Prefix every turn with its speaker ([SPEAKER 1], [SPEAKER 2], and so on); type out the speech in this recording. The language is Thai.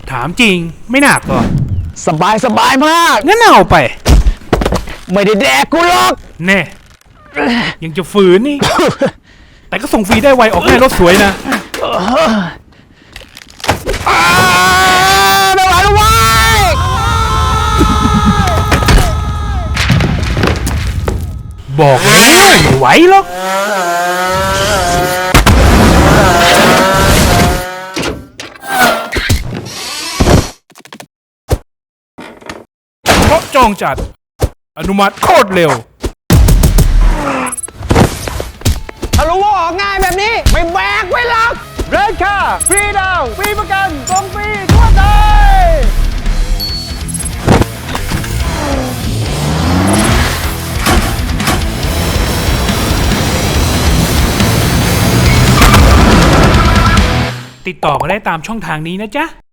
[SPEAKER 1] ถามจริงไม่หนักหรอ
[SPEAKER 2] สบายมาก
[SPEAKER 1] งั้นเอาไป
[SPEAKER 2] ไม่ได้แดกกูหรอก
[SPEAKER 1] แน่ยังจะฝืนนี่ แต่ก็ส่งฟรีได้ไวออกแน่รถสวยนะ
[SPEAKER 2] ไม่ไหวแล้วเว้ย
[SPEAKER 1] บอกแล้วไม่ไหวหรอกเพราะจองจัดอนุมัติโคตรเร็ว
[SPEAKER 2] ถ้ารู้ว่าออกง่ายแบบนี้ไม่แบกไว้หรอกเรนค่าฟรีดาวฟรีประกันส่งฟรีทั่วไทย
[SPEAKER 1] ติดต่อมาได้ตามช่องทางนี้นะจ๊ะ